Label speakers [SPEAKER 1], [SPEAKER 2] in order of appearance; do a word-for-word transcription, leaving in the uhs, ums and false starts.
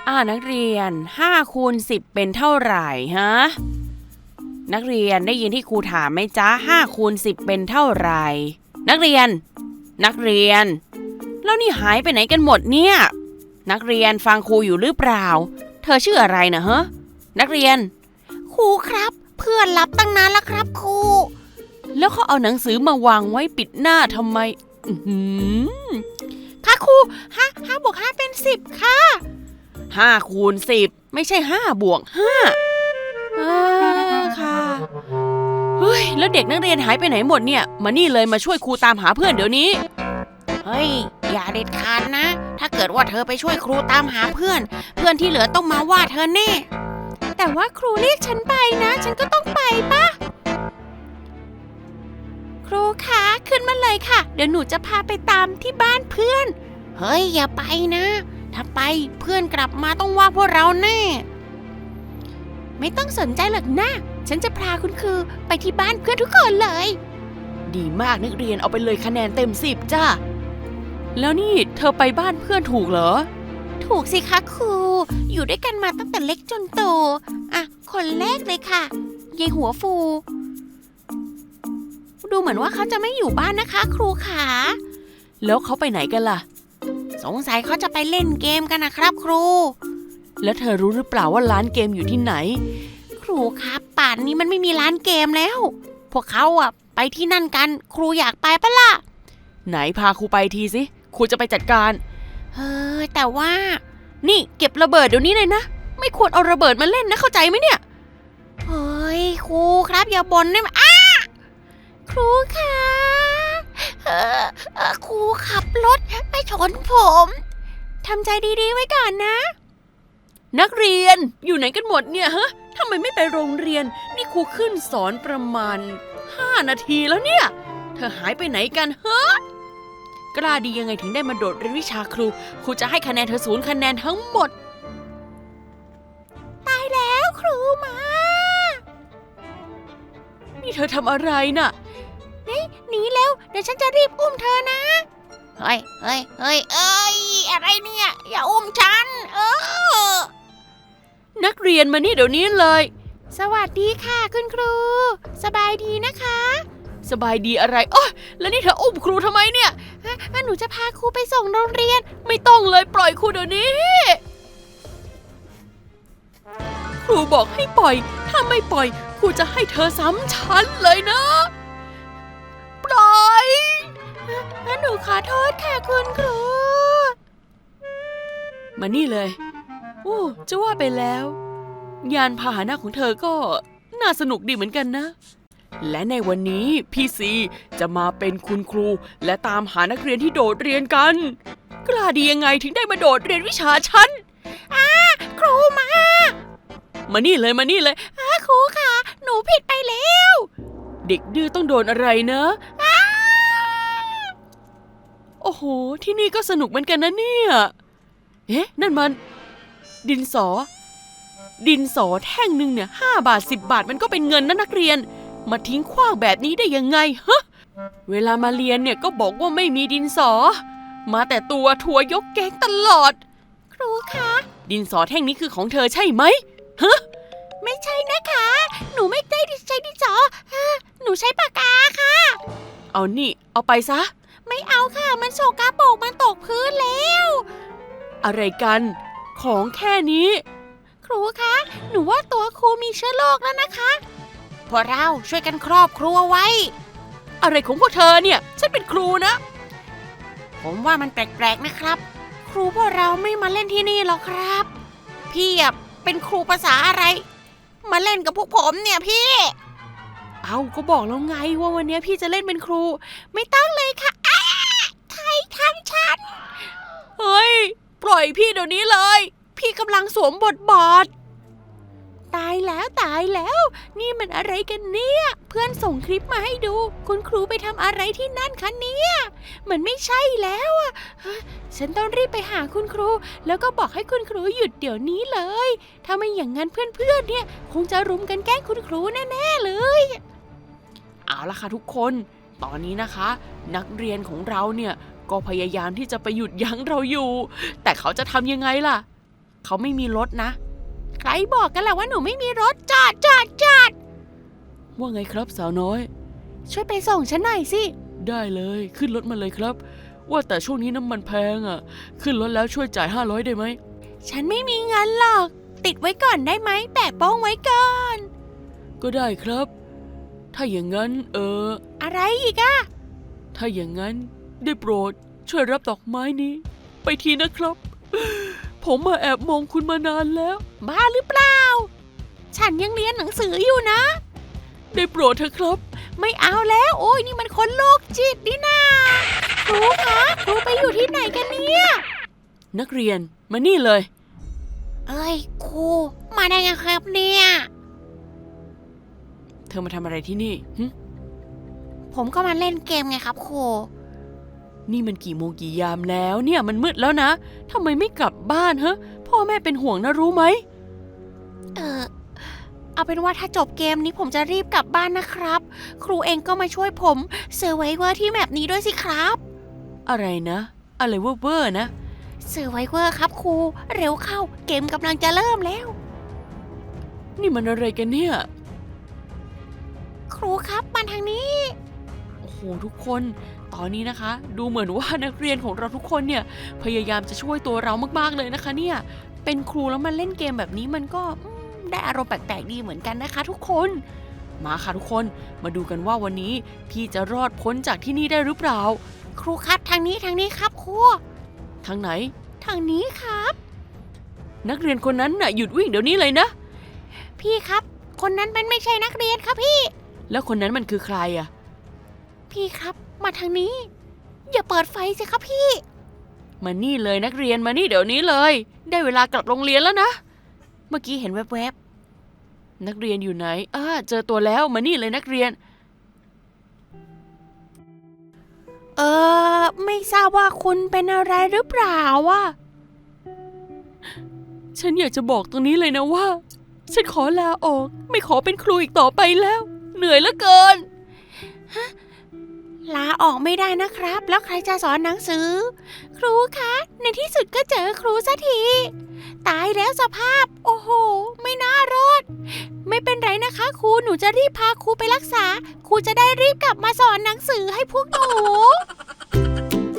[SPEAKER 1] อ่านักเรียนห้าคูณสิบเป็นเท่าไหร่ฮะนักเรียนได้ยินที่ครูถามไหมจ๊ะห้าคูณสิบเป็นเท่าไหร่นักเรียนนักเรียนแล้วนี่หายไปไหนกันหมดเนี่ยนักเรียนฟังครูอยู่หรือเปล่าเธอชื่ออะไรนะฮะนักเรียนครูครับเพื่อนรับตั้งนานแล้วครับครูแล้วเขาเอาหนังสือมาวางไว้ปิดหน้าทำไมอือค่ะครูห้าห้าบวกห้าเป็นสิบค่ะห้าคูณสิบไม่ใช่ห้าบวกห้าอ่าค่ะเฮ้ยแล้วเด็กนักเรียนหายไปไหนหมดเนี่ยมานี่เลยมาช่วยครูตามหาเพื่อนเดี๋ยวนี้เฮ้ยอย่าเด็ดขาดนะถ้าเกิดว่าเธอไปช่วยครูตามหาเพื่อนเพื่อนที่เหลือต้องมาว่าเธอแน่แต่ว่าครูเรียกฉันไปนะฉันก็ต้องไปปะครูคะขึ้นมาเลยค่ะเดี๋ยวหนูจะพาไปตามที่บ้านเพื่อนเฮ้ยอย่าไปนะถ้าไปเพื่อนกลับมาต้องว่าพวกเราแน่ไม่ต้องสนใจหรอกนะฉันจะพาคุณครูไปที่บ้านเพื่อนทุกคนเลยดีมากนักเรียนเอาไปเลยคะแนนเต็มสิบจ้าแล้วนี่เธอไปบ้านเพื่อนถูกเหรอถูกสิคะครูอยู่ด้วยกันมาตั้งแต่เล็กจนโตอ่ะคนแรกเลยค่ะยายหัวฟูดูเหมือนว่าเขาจะไม่อยู่บ้านนะคะครูขาแล้วเขาไปไหนกันล่ะสงสัยเขาจะไปเล่นเกมกันนะครับครูแล้วเธอรู้หรือเปล่าว่าร้านเกมอยู่ที่ไหนครูครับป่านนี้มันไม่มีร้านเกมแล้วพวกเขาอะไปที่นั่นกันครูอยากไปปะล่ะไหนพาครูไปทีสิครูจะไปจัดการเฮ้ยแต่ว่านี่เก็บระเบิดเดี๋ยวนี้เลยนะไม่ควรเอาระเบิดมาเล่นนะเข้าใจไหมเนี่ยเฮ้ยครูครับอย่าบ่นได้ไหมอ้าครูคะเออเออครูขับรถไปชนผมทำใจดีๆไว้ก่อนนะนักเรียนอยู่ไหนกันหมดเนี่ยฮะทำไมไม่ไปโรงเรียนนี่ครูขึ้นสอนประมาณห้านาทีแล้วเนี่ยเธอหายไปไหนกันฮะกล้าดียังไงถึงได้มาโดดเรียนวิชาครูครูจะให้คะแนนเธอศูนย์คะแนนทั้งหมดตายแล้วครูมานี่เธอทำอะไรน่ะนี่หนีแล้วเดี๋ยวฉันจะรีบอุ้มเธอนะเฮ้ยเฮ้ยเฮ้ยเอ้ยอะไรเนี่ยอย่าอุ้มฉันเออนักเรียนมานี่เดี๋ยวนี้เลยสวัสดีค่ะคุณครูสบายดีนะคะสบายดีอะไรโอ๊ยแล้วนี่เธออุ้มครูทำไมเนี่ยหนูจะพาครูไปส่งโรงเรียนไม่ต้องเลยปล่อยครูเดี๋ยวนี้ครูบอกให้ปล่อยถ้าไม่ปล่อยครูจะให้เธอซ้ำชั้นเลยนะปล่อยหนูขอโทษค่ะคุณครูมานี่เลยโอ้จะว่าไปแล้วยานพาหนะของเธอก็น่าสนุกดีเหมือนกันนะและในวันนี้พี่ซีจะมาเป็นคุณครูและตามหานักเรียนที่โดดเรียนกันกล้าดียังไงถึงได้มาโดดเรียนวิชาฉันอ้าครูมามานี่เลยมานี่เลยอ้าครูค่ะหนูผิดไปแล้วเด็กดื้อต้องโดนอะไรนะโอ้โหที่นี่ก็สนุกเหมือนกันนะเนี่ยเอ๊ะนั่นมันดินสอดินสอแท่งหนึ่งเนี่ยห้าบาทสิบบาทมันก็เป็นเงินนะนักเรียนมาทิ้งขว้างแบบนี้ได้ยังไงฮะเวลามาเรียนเนี่ยก็บอกว่าไม่มีดินสอมาแต่ตัวทัวยกแก๊งตลอดครูคะดินสอแท่งนี้คือของเธอใช่ไหมฮะไม่ใช่นะคะหนูไม่ได้ใช้ดินสอหนูใช้ปากกาค่ะเอานี่เอาไปซะไม่เอาค่ะมันโสกาโปกมันตกพื้นแล้วอะไรกันของแค่นี้ครูคะหนูว่าตัวครูมีเชื้อโรคแล้วนะคะพวกเราช่วยกันครอบครัวไว้อะไรของพวกเธอเนี่ยฉันเป็นครูนะผมว่ามันแปลกๆนะครับครูพวกเราไม่มาเล่นที่นี่หรอกครับพี่เป็นครูภาษาอะไรมาเล่นกับพวกผมเนี่ยพี่เอาก็บอกแล้วไงว่าวันนี้พี่จะเล่นเป็นครูไม่ต้องเลยค่ะใครทำฉันเฮ้ยปล่อยพี่เดี๋ยวนี้เลยพี่กำลังสวมบทบาทตายแล้วตายแล้วนี่มันอะไรกันเนี่ยเพื่อนส่งคลิปมาให้ดูคุณครูไปทำอะไรที่นั่นคะเนี่ยมันไม่ใช่แล้วอ่ะฉันต้องรีบไปหาคุณครูแล้วก็บอกให้คุณครูหยุดเดี๋ยวนี้เลยถ้าไม่อย่างนั้นเพื่อนๆเนี่ยคงจะรุมกันแกล้งคุณครูแน่ๆเลยเอาล่ะค่ะทุกคนตอนนี้นะคะนักเรียนของเราเนี่ยก็พยายามที่จะไปหยุดยั้งเราอยู่แต่เขาจะทำยังไงล่ะเขาไม่มีรถนะใครบอกกันล่ะว่าหนูไม่มีรถจอดจอดจอดว่าไงครับสาวน้อยช่วยไปส่งฉันหน่อยสิได้เลยขึ้นรถมาเลยครับว่าแต่ช่วงนี้น้ำมันแพงอ่ะขึ้นรถแล้วช่วยจ่ายห้าร้อยได้ไหมฉันไม่มีเงินหรอกติดไว้ก่อนได้ไหมแปะโป้งไว้ก่อนก็ได้ครับถ้าอย่างนั้นเอออะไรอีกอะถ้าอย่างนั้นได้โปรดช่วยรับดอกไม้นี้ไปทีนะครับผมมาแอบมองคุณมานานแล้วบ้าหรือเปล่าฉันยังเรียนหนังสืออยู่นะได้โปรดเถอะครับไม่เอาแล้วโอ้ยนี่มันคนโรคจิตนี่นาครูคะครูไปอยู่ที่ไหนกันเนี่ยนักเรียนมานี่เลยเอ้ยครูมาได้ไงครับเนี่ยเธอมาทำอะไรที่นี่หึผมก็มาเล่นเกมไงครับครูนี่มันกี่โมงกี่ยามแล้วเนี่ยมันมืดแล้วนะทำไมไม่กลับบ้านฮะพ่อแม่เป็นห่วงนะรู้ไหมเออเอาเป็นว่าถ้าจบเกมนี้ผมจะรีบกลับบ้านนะครับครูเองก็มาช่วยผมเซอร์ไวเวอร์ที่แมปนี้ด้วยสิครับอะไรนะอะไรเวอร์เวอร์นะเซอร์ไวเวอร์ครับครูเร็วเข้าเกมกำลังจะเริ่มแล้วนี่มันอะไรกันเนี่ยครูครับมาทางนี้โอ้โหทุกคนตอนนี้นะคะดูเหมือนว่านักเรียนของเราทุกคนเนี่ยพยายามจะช่วยตัวเรามากๆเลยนะคะเนี่ยเป็นครูแล้วมาเล่นเกมแบบนี้มันก็ได้อารมณ์แปลกๆดีเหมือนกันนะคะทุกคนมาค่ะทุกคนมาดูกันว่าวันนี้พี่จะรอดพ้นจากที่นี่ได้หรือเปล่าครูครับทางนี้ทางนี้ครับครูทางไหนทางนี้ครับนักเรียนคนนั้นน่ะหยุดวิ่งเดี๋ยวนี้เลยนะพี่ครับคนนั้นมันไม่ใช่นักเรียนครับพี่แล้วคนนั้นมันคือใครอะพี่ครับมาทางนี้อย่าเปิดไฟสิครับพี่มานี่เลยนักเรียนมานี่เดี๋ยวนี้เลยได้เวลากลับโรงเรียนแล้วนะเมื่อกี้เห็นแวบๆนักเรียนอยู่ไหนอ้าเจอตัวแล้วมานี่เลยนักเรียนเออไม่ทราบว่าคุณเป็นอะไรหรือเปล่าวะฉันอยากจะบอกตรงนี้เลยนะว่าฉันขอลาออกไม่ขอเป็นครูอีกต่อไปแล้วเหนื่อยเหลือเกินฮะลาออกไม่ได้นะครับแล้วใครจะสอนหนังสือครูคะในที่สุดก็เจอครูสักทีตายแล้วสภาพโอ้โหไม่น่ารอดไม่เป็นไรนะคะครูหนูจะรีบพาครูไปรักษาครูจะได้รีบกลับมาสอนหนังสือให้พวกหนู